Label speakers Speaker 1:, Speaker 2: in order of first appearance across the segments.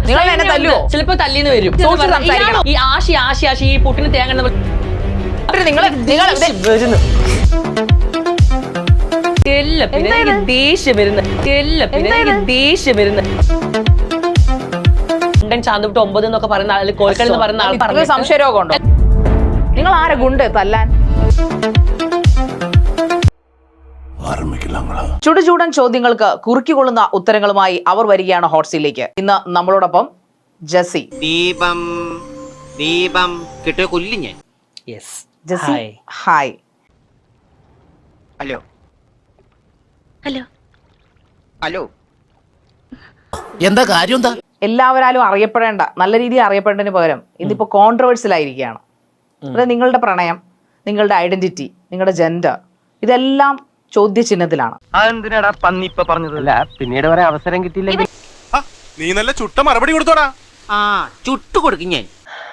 Speaker 1: നിങ്ങൾ എന്നെ തല്ലുവോ?
Speaker 2: ചിലപ്പോ തല്ലിന്ന് വരും. ഈ ആശി ആശി ആശി ഈ പുട്ടിന് തേങ്ങ ദേഷ്യം വരുന്ന ചാന്തുവിട്ട് 9 എന്നൊക്കെ പറയുന്ന ആള് കോഴിക്കൽ എന്ന് പറയുന്ന ആൾ പറഞ്ഞു
Speaker 1: സംശയരോഗമുണ്ടോ? നിങ്ങൾ ആരെ ഗുണ്ട് തല്ലാൻ? ചുടുചൂടൻ ചോദ്യങ്ങൾക്ക് കുറുക്കിക്കൊള്ളുന്ന ഉത്തരങ്ങളുമായി അവർ വരികയാണ് ഹോട്ട് സീറ്റിലേക്ക്. ഇന്ന് നമ്മളോടൊപ്പം ജസി.
Speaker 3: ദീപം ദീപം കിട്ടിയ കൊല്ലി ഞാൻ.
Speaker 1: ജസി ഹായ്.
Speaker 3: Hello hello hello.
Speaker 4: എന്താ കാര്യം? എന്താ
Speaker 1: എല്ലാവരാലും അറിയപ്പെടേണ്ട, നല്ല രീതിയിൽ അറിയപ്പെടേണ്ടതിന് പകരം ഇന്നിപ്പോ കോൺട്രവേഴ്സ്യൽ ആയിരിക്കുകയാണ്. അതായത് നിങ്ങളുടെ പ്രണയം, നിങ്ങളുടെ ഐഡന്റിറ്റി, നിങ്ങളുടെ ജെൻഡർ, ഇതെല്ലാം ചോദ്യചിഹ്നത്തിലാണ്.
Speaker 5: അതെന്തിനാടാ പന്നി ഇപ്പൊ പറഞ്ഞതല്ല, പിന്നീട് വരെ അവസരം കിട്ടിയില്ലെങ്കിൽ
Speaker 6: നീ നല്ല ചുട്ട മറുപടി കൊടുത്തോടാ.
Speaker 3: ചുട്ടു കൊടുക്കും ഞാൻ.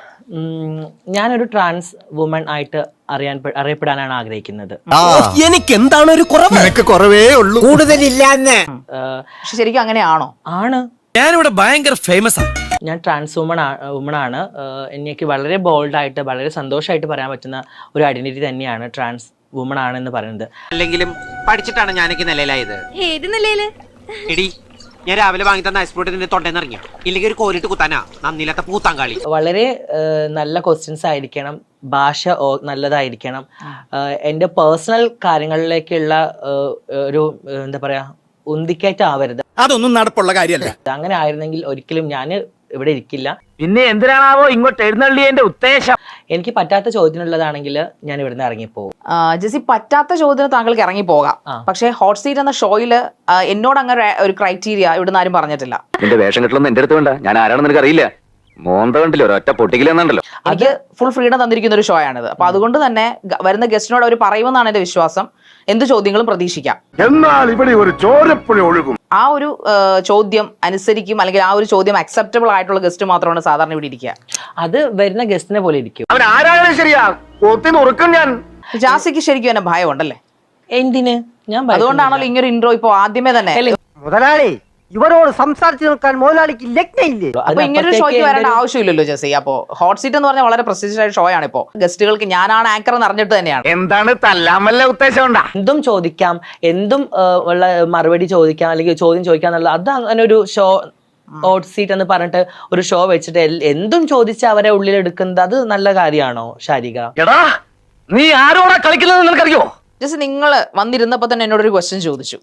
Speaker 2: ഞാനൊരു ട്രാൻസ് വുമൺ ആയിട്ട് അറിയപ്പെടാനാണ് ആഗ്രഹിക്കുന്നത്.
Speaker 4: എനിക്ക് എന്താണ് ഒരു കുറവ്? കുറവേ ഉള്ളൂ, കൂടുതലില്ലാന്ന്.
Speaker 1: പക്ഷെ ശരിക്കും അങ്ങനെയാണോ?
Speaker 2: ആണ്.
Speaker 4: ഞാനിവിടെ ഭയങ്കര ഫേമസ് ആണ്.
Speaker 2: ഞാൻ ട്രാൻസ് വുമൺ ആണ്. എനിക്ക് വളരെ ബോൾഡായിട്ട് വളരെ സന്തോഷമായിട്ട് പറയാൻ പറ്റുന്ന ഒരു ഐഡന്റിറ്റി തന്നെയാണ് ട്രാൻസ് വുമൺ ആണെന്ന് പറയുന്നത്.
Speaker 3: അല്ലെങ്കിലും പഠിച്ചിട്ടാണ് ഞാനൊക്കെ നിലയിലായത്.
Speaker 7: ഏത് നിലയില്?
Speaker 3: എടി, ഞാൻ രാവിലെ വാങ്ങി തന്ന ഐസ്പോർട്ടിന്റെ തൊണ്ടേന്ന് ഇറങ്ങിയ ഇല്ലെങ്കിൽ ഒരു കോരിട്ട് കുത്താനാ നന്ദിയില്ലാത്ത പൂത്താങ്കാളി.
Speaker 2: വളരെ നല്ല ക്വസ്റ്റ്യൻസ് ആയിരിക്കണം, ഭാഷ നല്ലതായിരിക്കണം, എൻ്റെ പേഴ്സണൽ കാര്യങ്ങളിലേക്കുള്ള ഒരു എന്താ പറയാ ഉന്തിക്കയറ്റാവരുത്.
Speaker 4: അതൊന്നും നടപ്പുള്ള കാര്യമല്ല.
Speaker 2: അങ്ങനെ ആയിരുന്നെങ്കിൽ ഒരിക്കലും ഞാൻ ഇവിടെ ഇരിക്കില്ല.
Speaker 5: പിന്നെ എന്തിനാണാവോ ഇങ്ങോട്ട് എഴുന്നള്ളിയതിന്റെ ഉദ്ദേശം?
Speaker 2: എനിക്ക് പറ്റാത്ത ചോദ്യമുള്ളതാണെങ്കിൽ ഞാൻ ഇവിടുന്ന് ഇറങ്ങിപ്പോകും.
Speaker 1: ജസി, പറ്റാത്ത ചോദ്യത്തിന് താങ്കൾക്ക് ഇറങ്ങി പോകാം. പക്ഷേ ഹോട്ട് സീറ്റ് എന്ന ഷോയില് എന്നോട് അങ്ങനെ ഒരു ക്രൈറ്റീരിയ ഇവിടുന്ന് ആരും പറഞ്ഞിട്ടില്ല.
Speaker 8: നിന്റെ വേഷം കെട്ടലൊന്നും എന്റെ അടുത്ത് വേണ്ട. ഞാൻ ആരാണെന്ന് നിനക്ക് അറിയില്ല. മോന്ത കണ്ടില്ലോ, ഒരൊറ്റ പൊട്ടിക്കലെന്നുണ്ടല്ലോ.
Speaker 1: എനിക്ക് ഫുൾ ഫ്രീഡം തന്നിരിക്കുന്ന ഒരു ഷോ ആണിത്. അപ്പൊ അതുകൊണ്ട് തന്നെ വരുന്ന ഗസ്റ്റിനോട് അവർ പറയുമെന്നാണ് എന്റെ വിശ്വാസം. എന്ത് ചോദ്യങ്ങളും പ്രതീക്ഷിക്കാം.
Speaker 6: എന്നാൽ ഇവിടെ ഒരു ചോരപ്പുഴ ഒഴുകും.
Speaker 1: ആ ഒരു ചോദ്യം അനുസരിക്കും, അല്ലെങ്കിൽ ആ ഒരു ചോദ്യം അക്സെപ്റ്റബിൾ ആയിട്ടുള്ള ഗസ്റ്റ് മാത്രമാണ് സാധാരണ ഇവിടെ ഇരിക്കുക.
Speaker 2: അത് വരുന്ന ഗസ്റ്റിനെ പോലെ ഇരിക്കും.
Speaker 5: അവൻ ആരാണ് ശരിയാ കൊത്തിനുറുക്കും ഞാൻ.
Speaker 1: ജാസിക്ക് ശരിക്കും എന്നെ ഭയമുണ്ടല്ലേ?
Speaker 2: എന്തിന്? ഞാൻ
Speaker 1: അതുകൊണ്ടാണല്ലോ ഇങ്ങനൊരു ഇൻട്രോ ഇപ്പൊ ആദ്യമേ തന്നെ.
Speaker 5: മുതലാളി, ഇവരോട് സംസാരിച്ചു നിൽക്കാൻ മുതലാളിക്ക് ലഗ്നയില്ലേ?
Speaker 1: അപ്പൊ ഇങ്ങനൊരു ഷോയ്ക്ക് വരേണ്ട ആവശ്യമില്ലല്ലോ ജസി. അപ്പോ ഹോട്ട് സീറ്റ് എന്ന് പറഞ്ഞാൽ വളരെ പ്രസ്റ്റീജിയസ് ആയ ഷോ ആണ്. ഇപ്പോ ഗസ്റ്റുകൾക്ക് ഞാനാണ് ആങ്കർ എന്ന് അറിഞ്ഞിട്ട് തന്നെയാണ്.
Speaker 5: എന്താണ് തല്ലാമല്ല ഉദ്ദേശം ഉണ്ടാ?
Speaker 2: എന്തും ചോദിക്കാം, എന്തും ഉള്ള മറുപടി ചോദിക്കാം, അല്ലെങ്കിൽ ചോദ്യം ചോദിക്കാം എന്നുള്ളത്. അത് അങ്ങനെ ഒരു ഷോ ഹോട്ട് സീറ്റ് എന്ന് പറഞ്ഞിട്ട് ഒരു ഷോ വെച്ചിട്ട് എന്തും ചോദിച്ച് അവരെ ഉള്ളിലെടുക്കുന്നത് അത് നല്ല കാര്യമാണോ ശാരിക?
Speaker 5: എടാ, നീ ആരോടാ കളിക്കുന്നത് നിനക്കറിയോ?
Speaker 1: ജസ്റ്റ് നിങ്ങൾ വന്നിരുന്നപ്പോ തന്നെ എന്നോടൊരു ക്വസ്റ്റ്യൻ ചോദിച്ചു.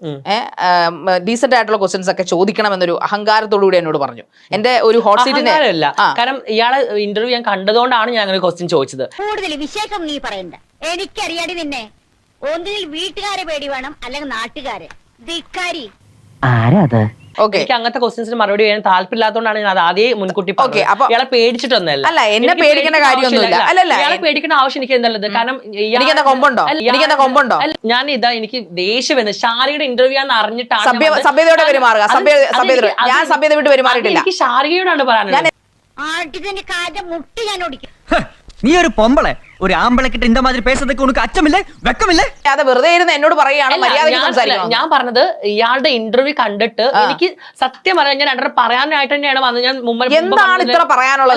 Speaker 1: ഡീസന്റ് ആയിട്ടുള്ള ക്വസ്റ്റ്യൻസ് ഒക്കെ ചോദിക്കണം എന്നൊരു അഹങ്കാരത്തോടുകൂടി എന്നോട് പറഞ്ഞു. എന്റെ ഒരു ഹോട്ട് സീറ്റിന്
Speaker 2: അല്ല, കാരണം ഇയാളെ ഇന്റർവ്യൂ ഞാൻ കണ്ടതുകൊണ്ടാണ് ഞാൻ അങ്ങനെ ക്വസ്റ്റ്യൻ ചോദിച്ചത്.
Speaker 7: കൂടുതൽ വിശേഷം നീ പറയണ്ട, എനിക്കറിയാടി നിന്നെ. ഒന്നിൽ വീട്ടുകാരെ പേടി വേണം, അല്ലെങ്കിൽ നാട്ടുകാരെ. ധിക്കാരി.
Speaker 2: എനിക്ക് അങ്ങനത്തെ ക്വസ്റ്റ്യൻസിന് മറുപടി ചെയ്യാൻ താല്പര്യമില്ലാത്തതുകൊണ്ടാണ് ഞാൻ അത് ആദ്യം മുൻകൂട്ടി പറഞ്ഞത്. ഇയാളെ പേടിച്ചിട്ടൊന്നല്ല.
Speaker 1: അല്ല, എന്നെ പേടിക്കേണ്ട കാര്യമൊന്നുമില്ല.
Speaker 2: ഇയാളെ പേടിക്കേണ്ട ആവശ്യം എനിക്ക് എന്നുള്ളത്, കാരണം ഞാൻ എനിക്ക് ദേഷ്യം വന്നു. ഷാരിയുടെ ഇന്റർവ്യൂ ആണെന്ന് അറിഞ്ഞിട്ടാണ്
Speaker 1: സഭ്യതയോടെ പെരുമാറുക. ഞാൻ സഭ്യത വിട്ട് പെരുമാറിയിട്ടില്ല.
Speaker 2: എനിക്ക് ഷാരികയോടാണ് പറയാനുള്ളത്.
Speaker 7: മുട്ടി ഞാൻ ഓടിക്കും.
Speaker 9: നീ ഒരു പൊമ്പളെ, ഒരു ആമ്പളക്കിട്ട് ഇന്ന മാതിരി പേസതൊക്കെ ഉനക്ക് അച്ചമില്ലേ, വെക്കമില്ലേ?
Speaker 1: അത് വെറുതെ ഇരുന്ന് എന്നോട് പറയുകയാണ് മര്യാദയ്ക്ക് സംസാരിക്കണം.
Speaker 2: ഞാൻ പറഞ്ഞത് ഇയാളുടെ ഇന്റർവ്യൂ കണ്ടിട്ട് എനിക്ക് സത്യം പറയാൻ ഞാൻ രണ്ടര പറയാനായിട്ട് തന്നെയാണ് വന്നത്. ഞാൻ മുമ്പ്
Speaker 1: എന്താണ് ഇത്ര പറയാനുള്ളത്?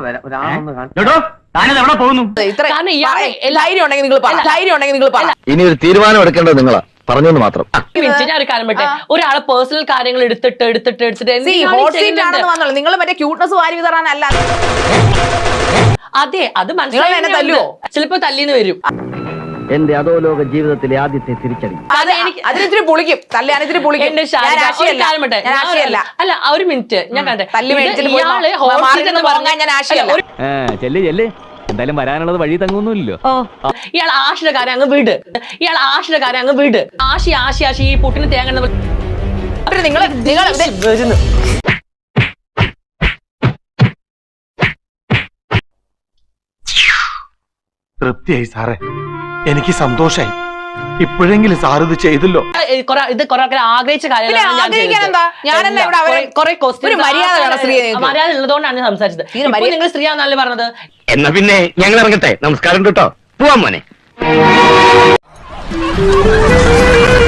Speaker 1: ധൈര്യം ഉണ്ടെങ്കിൽ നിങ്ങൾ പറ.
Speaker 8: ഇനി ഒരു തീരുമാനം എടുക്കേണ്ടത് നിങ്ങളാ, പറഞ്ഞെന്ന് മാത്രം.
Speaker 2: ഞാൻ ഒരു കാര്യം പറ്റേ, ഒരാളെ പേഴ്സണൽ കാര്യങ്ങൾ എടുത്തിട്ട്
Speaker 1: നിങ്ങൾ മറ്റേ ക്യൂട്ട്നെസ് വാരി വിതറാനല്ല.
Speaker 2: അതെ, അത് മനസ്സിലായി.
Speaker 1: തല്ലുവോ?
Speaker 2: ചിലപ്പോ തല്ലിന്ന് വരും.
Speaker 9: എന്റെ അധോലോക ജീവിതത്തിലെ ആദ്യത്തെ തിരിച്ചടി.
Speaker 1: അതിനിത്തിരി പൊളിക്കും. തല്ലാനിത്തിരി പൊളിക്കും.
Speaker 2: അല്ല, ഒരു മിനിറ്റ്, ഞാൻ കണ്ടേ.
Speaker 9: ചെല്ല് ചെല്ല്, എന്തായാലും വരാനുള്ളത് വഴി തങ്ങുന്നില്ലല്ലോ.
Speaker 2: ഇയാൾ ആഷിയുടെ കാര്യം അങ്ങ് വീട്. ആശി ആശി ആശി ഈ പുട്ടിന് തേങ്ങ
Speaker 6: തൃപ്തിയായി സാറേ, എനിക്ക് സന്തോഷായി. ഇപ്പോഴെങ്കിലും സാർ ഇത് ചെയ്തല്ലോ.
Speaker 2: ഇത് കുറെ ആഗ്രഹിച്ച കാര്യങ്ങളാണ്. മര്യാദ ഉള്ളതുകൊണ്ടാണ് ഞാൻ സംസാരിച്ചത്. നിങ്ങൾ സ്ത്രീയാണെന്നല്ലേ പറഞ്ഞത്.
Speaker 8: എന്നാ പിന്നെ ഞങ്ങൾ ഇറങ്ങട്ടെ. നമസ്കാരം കേട്ടോ, പോവാൻ മോനെ.